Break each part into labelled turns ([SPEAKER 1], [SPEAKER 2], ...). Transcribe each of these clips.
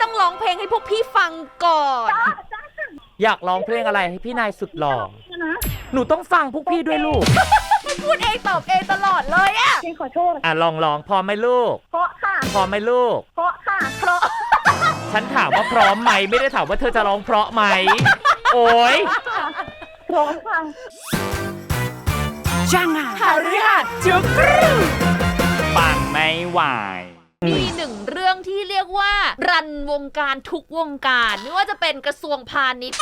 [SPEAKER 1] ต้องร้องเพลงให้พวกพี่ฟังก่อน
[SPEAKER 2] อยากร้องเพลงอะไรให้พี่นายสุดหล่อหนูต้องฟังพวกพี่ด้วยลูก
[SPEAKER 1] พูดเองตอบเองตลอดเลยอะ
[SPEAKER 3] พี่ขอโทษ
[SPEAKER 2] ลองพร้อมไหมลูก
[SPEAKER 3] เพราะค่ะ
[SPEAKER 2] พร้อมไหมลูก
[SPEAKER 3] เพราะค่ะ
[SPEAKER 1] เพราะ
[SPEAKER 2] ฉันถามว่าพร้อมไหมไม่ได้ถามว่าเธอจะร้องเพราะไหมโอ้ย
[SPEAKER 3] พร้อมค่ะ
[SPEAKER 2] จังอ่ะ
[SPEAKER 1] หาเรื่องจุกรู
[SPEAKER 2] ปังไม่ไหว
[SPEAKER 1] มีหนึ่งเรื่องที่เรียกว่ารันวงการทุกวงการไม่ว่าจะเป็นกระทรวงพาณิชย์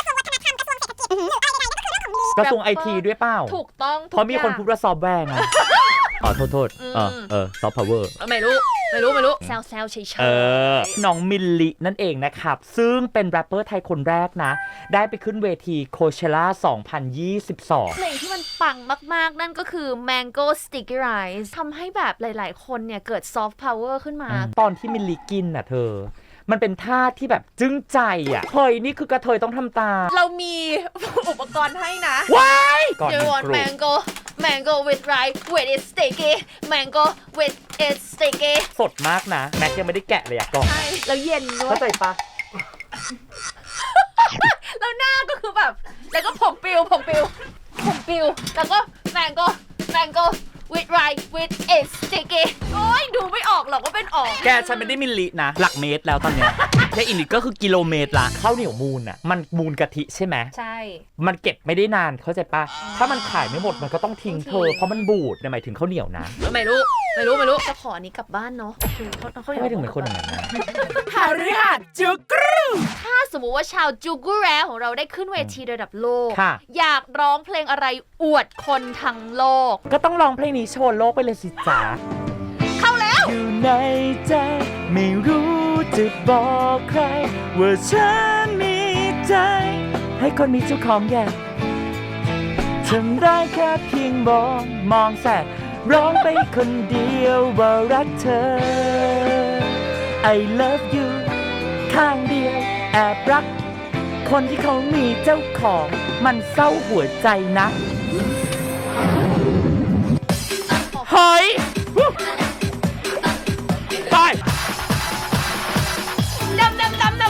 [SPEAKER 2] กระทรวงไอทีด้วยเปล่า
[SPEAKER 1] ถูกต้อง
[SPEAKER 2] เพราะมีคนพูดว่าซอฟต์แวร์ไงโทษซอฟต์พาวเวอร์
[SPEAKER 1] ไม่รู้แซวเฉยๆ
[SPEAKER 2] น้องมิลลินั่นเองนะครับ ซึ่งเป็นแรปเปอร์ไทยคนแรกนะ ได้ไปขึ้นเวทีโคเชล่า2022
[SPEAKER 1] เพลงที่มันปังมากๆ นั่นก็คือ Mango Sticky Rice ทำให้แบบหลายๆ คนเนี่ยเกิด soft power ขึ้นมา
[SPEAKER 2] ตอนที่มิลลิกินน่ะเธอ มันเป็นท่าที่แบบจึ้งใจอ่ะเฮ้ยนี่คือกระเทยต้องทำตาม
[SPEAKER 1] เรามีอุปกรณ์ให้นะ
[SPEAKER 2] ว้ายก่อน
[SPEAKER 1] You want
[SPEAKER 2] กรุบ
[SPEAKER 1] mango with rice with it sticky mango with it sticky
[SPEAKER 2] สดมากนะ แม็กยังไม่ได้แกะเลยอ่ะกล่อง
[SPEAKER 1] ใช่แล้วเย็นด้ว
[SPEAKER 2] เข้าย ใจปะ
[SPEAKER 1] แล้วหน้าก็คือแบบ แล้วก็ผมปิวแล้วก็ mango with rice with it sticky โอ้ยดูไม่ออกหรอกว่าเป็นออก
[SPEAKER 2] แกฉันไม่ได้มิลลินะ หลักเมตรแล้วตอนเนี้ย แค่อีกนิดก็คือกิโลเมตรละข้าวเหนียวมูนอ่ะ มันมูนกะทิใช่ไหม
[SPEAKER 1] ใช่
[SPEAKER 2] มันเก็บไม่ได้นานเข้าใจปะถ้ามันขายไม่หมดมันก็ต้องทิ้งเธอ เพราะมันบูดหมายถึงข้าวเหนียวนะ
[SPEAKER 1] ไม่รู้จะขออันนี้กลับบ้านเนาะโอเคเขา
[SPEAKER 2] ไม่ถึงเหมือนคนอย่างนั้นนะ
[SPEAKER 1] หาฤหัสจุกรูถ้าสมมุติว่าชาวจูกูแรของเราได้ขึ้นเวทีระดับโลก
[SPEAKER 2] ค่ะ
[SPEAKER 1] อยากร้องเพลงอะไรอวดคนทั้งโลก
[SPEAKER 2] ก็ต้องร้องเพลงนี้โชว์โลกไปเลยสิจ๊ะ
[SPEAKER 1] เข้าแล้ว
[SPEAKER 2] อยู่ในใจไม่รู้จะบอกใคร ว่าฉันมีใจ ให้คนมีเจ้าของอย่างทำได้แค่เพียงมองแสบร้องไปคนเดียวว่ารักเธอ I love you ข้างเดียวแอบรัก คนที่เขามีเจ้าของมันเศร้าหัวใจนะเฮ้ยไป
[SPEAKER 1] ดำ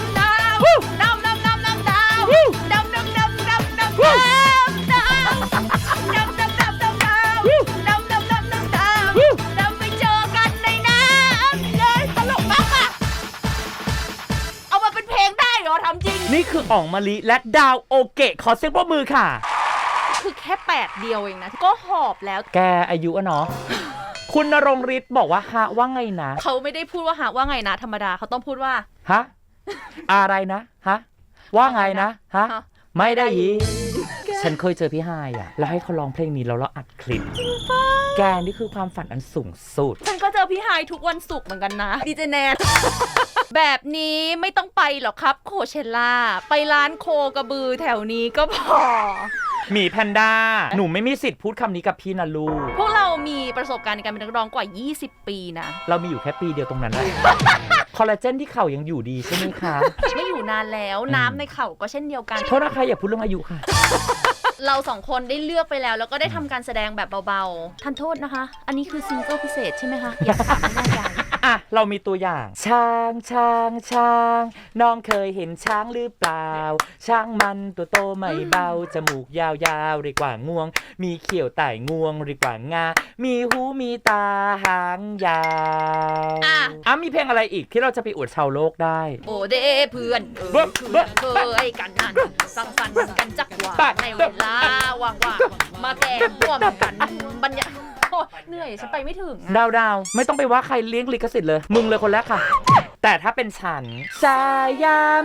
[SPEAKER 1] ไปเจอกันในน้ำเลยตลกมากอะเอามาเป็นเพลงได้เหรอทำจริง
[SPEAKER 2] นี่คืออ๋องมะลิและดาวโอเกะขอเสียงปรบมือค่ะ
[SPEAKER 1] คือแค่8เดียวเองนะ ก็หอบแล้ว
[SPEAKER 2] แกอายุอะเนาะ คุณณรงค์ฤทธิ์บอกว่าฮะว่าไงนะ
[SPEAKER 1] เขาไม่ได้พูดว่าหาว่าไงนะธรรมดาเขาต้องพูดว่า
[SPEAKER 2] ฮะ อะไรนะ ฮะ ว่าไงนะ ฮะ
[SPEAKER 1] ฮะ
[SPEAKER 2] ไม่ได้ยิน ฉันเคยเจอพี่ไฮอะแล้วให้เขาร้องเพลงนี้แล้วเราอัดคลิป แกนี่คือความฝันอันสูงสุด
[SPEAKER 1] ฉันก็เจอพี่ไฮายทุกวันศุกร์เหมือนกันนะดีเจแนน แบบนี้ไม่ต้องไปหรอกครับโคเชล่าไปร้านโคกระบือแถวนี้ก็พอ
[SPEAKER 2] หมีแพนด้า หนูไม่มีสิทธิ์พูดคำนี้กับพี่นะลูก
[SPEAKER 1] พวกเรามีประสบการณ์ในการเป็นนักร้องกว่า 20 ปีนะ
[SPEAKER 2] เรามีอยู่แค่ปีเดียวตรงนั้นแหละ คอลลาเจนที่เข่ายังอยู่ดีใช่ไหมคะ
[SPEAKER 1] ไม่อยู่นานแล้วน้ำในเข่าก็เช่นเดียวกัน
[SPEAKER 2] โทษนะคะอย่าพูดเรื่องอายุค่ะ
[SPEAKER 1] เราสองคนได้เลือกไปแล้วแล้วก็ได้ทำการแสดงแบบเบาๆทันโทษนะคะ อันนี้คือซิงเกิลพิเศษใช่ไหมคะอย่าถามไม่แน่ใจ
[SPEAKER 2] อ่ะ เรามีตัวอย่าง ช้างน้องเคยเห็นช้างหรือเปล่า ช้างมันตัวโตไม่เบา จมูกยาวๆเรียกว่างวง มีเขียวไต่งวงเรียกว่างา มีหูมีตาหางยาว
[SPEAKER 1] อ่ะ
[SPEAKER 2] มีเพลงอะไรอีกที่เราจะไปอวดชาวโลกได้
[SPEAKER 1] โอเดเพื่อนเคยกันนั่นสังสรรค์กันจักหวาในเวลาว่างๆมาแก่ร่วมกันบรรยากาศเหนื่อยฉันไปไม่ถึง
[SPEAKER 2] ดาวไม่ต้องไปว่าใครเลี้ยงลิขสิทธิ์เลย มึงเลยคนแรกค่ะ แต่ถ้าเป็นฉันสายาม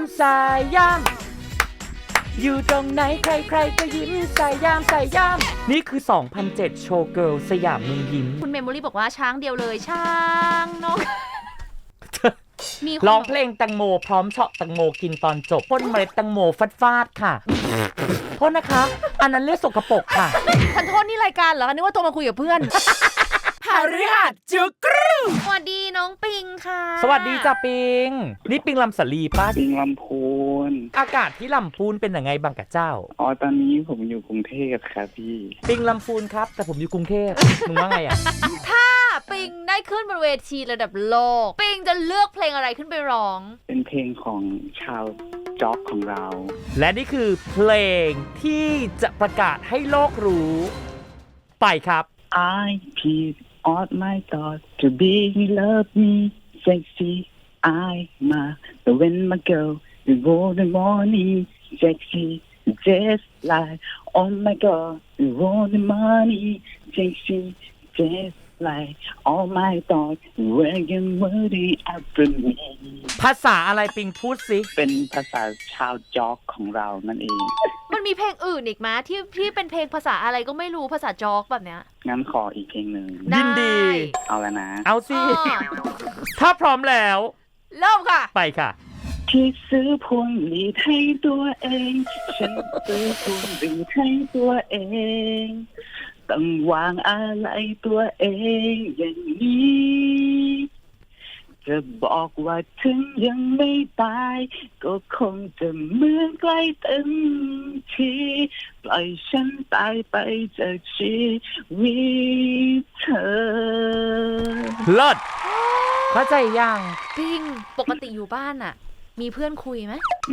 [SPEAKER 2] อยู่ตรงไหนใครๆก็ยิ้มสายามนี่คือ 2007 โชว์เกิร์ลสยามเมืองยิ้ม
[SPEAKER 1] คุณเมมโมรี่บอกว่าช้างเดียวเลยช้างน้องมีคน
[SPEAKER 2] ร้องเพลงแตงโมพร้อมเฉาะแตงโมกินตอนจบพ่นเมล็ดแตงโมฟาดค่ะโทษนะคะ อันนั้นเรียกสกปรกค่ะ
[SPEAKER 1] ทันโทษนี่รายการเหรอนึกว่าโทรมาคุยกับเพื่อน
[SPEAKER 2] หฤหัสจุกรู
[SPEAKER 1] สวัสดีน้องปิงค่ะ
[SPEAKER 2] สวัสดีจ้าปิงนี่ปิงลำสลีป้า
[SPEAKER 4] ปิงลำพูน
[SPEAKER 2] อากาศที่ลำพูนเป็นยังไงบ้างกับเจ้า
[SPEAKER 4] อ๋อตอนนี้ผมอยู่กรุงเทพครับพี่
[SPEAKER 2] ปิงลำพูนครับแต่ผมอยู่กรุงเทพมึงว่าไงอ่ะ
[SPEAKER 1] ถ้าปิงได้ขึ้นบนเวทีระดับโลก ปิงจะเลือกเพลงอะไรขึ้นไปร้อง
[SPEAKER 4] เป็นเพลงของชาวจ็อกของเรา
[SPEAKER 2] และนี่คือเพลงที่จะประกาศให้โลกรู้ไปครับ
[SPEAKER 4] I peed on my thoughts to be love me sexy I'm the when my girl the golden morning sexy just like oh my god the golden morning sexy just like all my thoughts were you worthy after me
[SPEAKER 2] ภาษาอะไรปิงพูดสิ
[SPEAKER 4] เป็นภาษาชาวจ็อกของเรานั่นเอง
[SPEAKER 1] มันมีเพลงอื่นอีกไหมที่เป็นเพลงภาษาอะไรก็ไม่รู้ภาษาจอกแบบเนี้ย
[SPEAKER 4] งั้นขออีกเพลงหนึ่ง
[SPEAKER 2] ยินดี
[SPEAKER 4] เอาแล้วนะ
[SPEAKER 2] เอาสิ
[SPEAKER 1] อ๋อ
[SPEAKER 2] ถ้าพร้อมแล้ว
[SPEAKER 1] เริ่มค่ะ
[SPEAKER 2] ไปค่ะ
[SPEAKER 4] ที่ซื้อพวงหลีดให้ตัวเอง ฉันซื้อพวงหลีดให้ตัวเองต้องวางอะไรตัวเองอย่างนี้จะบอกว่าถึงยังไม่ตายก็คงจะเหมือนใกล้เต็มทีปล่อยฉันตายไปจากชีวิตเธอ
[SPEAKER 2] เลิศเข้าใจยัง
[SPEAKER 1] ปิงปกติอยู่บ้านอะมีเพื่อนคุยไหม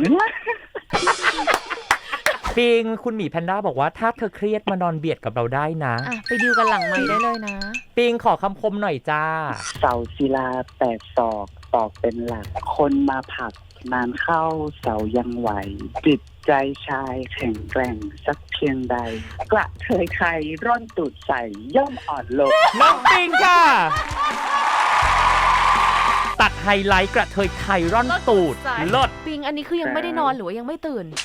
[SPEAKER 2] ปิงคุณหมีแพนด้าบอกว่าถ้าเธอเครียดมานอนเบียดกับเราได้นะ
[SPEAKER 1] อ่ะไปดิวกันหลังไมค์ได้เลยนะ
[SPEAKER 2] ปิงขอคำคมหน่อยจ้า
[SPEAKER 4] เสาศิลา8 ศอกตอกเป็นหลัก คนมาผลักนานเข้าเสายังไหว จิตใจชายแข็งแกร่งสักเพียงใด กระเทยใครร่อนตูดใส่ย่อมอ่อนลง
[SPEAKER 2] น้องปิงค่ะ ตัดไฮไลท์กระเทยไทยร่อนตูดเลิศ
[SPEAKER 1] ปิงอันนี้คือยังไม่ได้นอนหรือว่ายังไม่ตื่น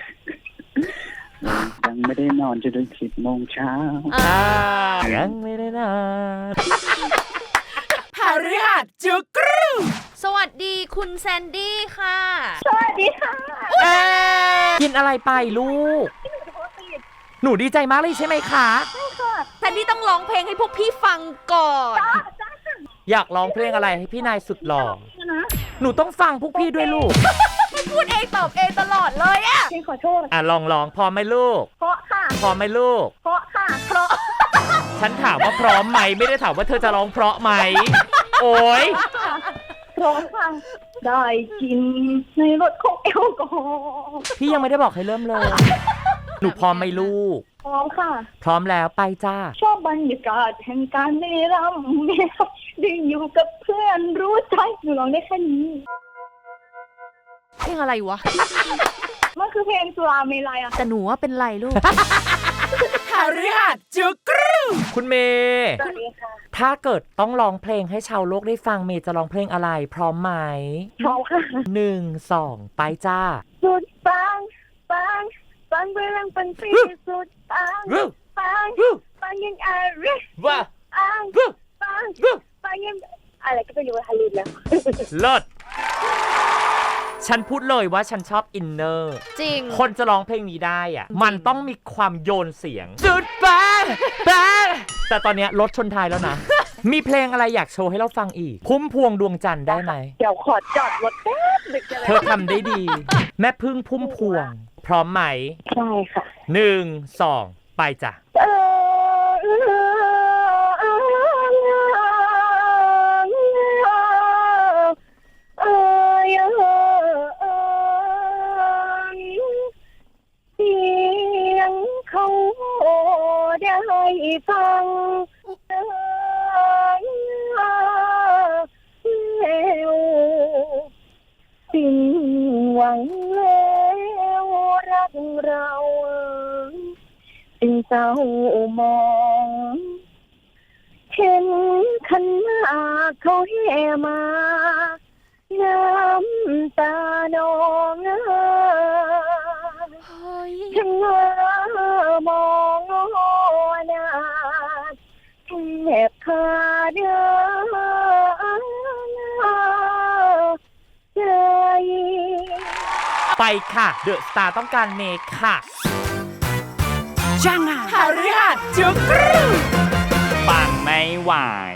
[SPEAKER 4] ยังไม่ได้นอนจนถึง10 โมงเช้า
[SPEAKER 2] ยังไม่ได้นอน
[SPEAKER 1] หฤหัสจุกรูสวัสดีคุณแซนดี้ค่ะ
[SPEAKER 3] สวัสดีค่ะ
[SPEAKER 2] กินอะไรไปลูก หนูดีใจมากเลยใช่ไหมคะ
[SPEAKER 1] แซนดี้ต้องร้องเพลงให้พวกพี่ฟังก่อน
[SPEAKER 2] อยากร้องเพลงอะไรให้พี่นายสุดหล่อ หนูต้องฟังพวกพี่ด้วยลูก
[SPEAKER 1] พูดเองตอบเองตลอดเลยอะ
[SPEAKER 3] พี่ขอโทษ
[SPEAKER 2] อ่ะลองพร้อมไหมลูก
[SPEAKER 3] เพราะค่ะ
[SPEAKER 2] พร้อมไหมลูก
[SPEAKER 3] เพราะค่ะ
[SPEAKER 1] เพราะ
[SPEAKER 2] ฉันถามว่าพร้อมไหมไม่ได้ถามว่าเธอจะร้องเพราะไหม โอ้ย
[SPEAKER 3] พร้อมค่ะได้กินในรถของแอลกอฮอล์
[SPEAKER 2] พี่ยังไม่ได้บอกให้เริ่มเลย หนูพร้อมไหมลูก
[SPEAKER 3] พร้อมค่ะ
[SPEAKER 2] พร้อมแล้วไปจ้า
[SPEAKER 3] ชอบบรรยากาศแห่งการได้รำได้อยู่กับเพื่อนรู้ใจหนูร้องได้แค่นี้
[SPEAKER 1] เพลงอะไรวะ
[SPEAKER 3] มันคือเพลงสุราเมลัยอะ
[SPEAKER 1] แต่หนูว่าเป็นไรลูก
[SPEAKER 2] หฤหัสจุกรูคุณเมย์
[SPEAKER 3] สวัสดีค่ะ
[SPEAKER 2] ถ้าเกิดต้องร้องเพลงให้ชาวโลกได้ฟังเมย์จะร้องเพลงอะไร พร้อมไหม
[SPEAKER 3] พร้อมค่ะ
[SPEAKER 2] 1 2 ไปจ้า
[SPEAKER 3] สุดปังปังเรื่องเป็นปีสุดปังปังยังอะไร
[SPEAKER 2] ว่า
[SPEAKER 3] ปังยังอะไรก็ไม่รู้ฮาลินแล้ว
[SPEAKER 2] เลิศฉันพูดเลยว่าฉันชอบอินเนอร์
[SPEAKER 1] จริง
[SPEAKER 2] คนจะร้องเพลงนี้ได้อ่ะ มันต้องมีความโยนเสียง สุดปังแต่ตอนเนี้ยรถชนท้ายแล้วนะ มีเพลงอะไรอยากโชว์ให้เราฟังอีก พุ่มพวงดวงจันทร์ได้ไหม
[SPEAKER 3] เดี๋ยวขอจอดรถแป๊บนึงจะ
[SPEAKER 2] เธอทำได้ดี แม่พึ่งพุ่มพวง พร้อมไหม
[SPEAKER 3] ใช่ค่ะ
[SPEAKER 2] 1 2 ไปจ้ะ
[SPEAKER 3] เสียงเขาได้ฟังแล้วสิ้นหวังแล้วรักเราจึงเศร้ามองเห็นขันหมากเขาแห่มาน้ำตานองฉันมองหน้าแทบขาดใจ
[SPEAKER 2] ไปค่ะ เดอะสตาร์ต้องการเมคค่ะจังอ่ะหฤหัสจุกรูปังไม่ไหว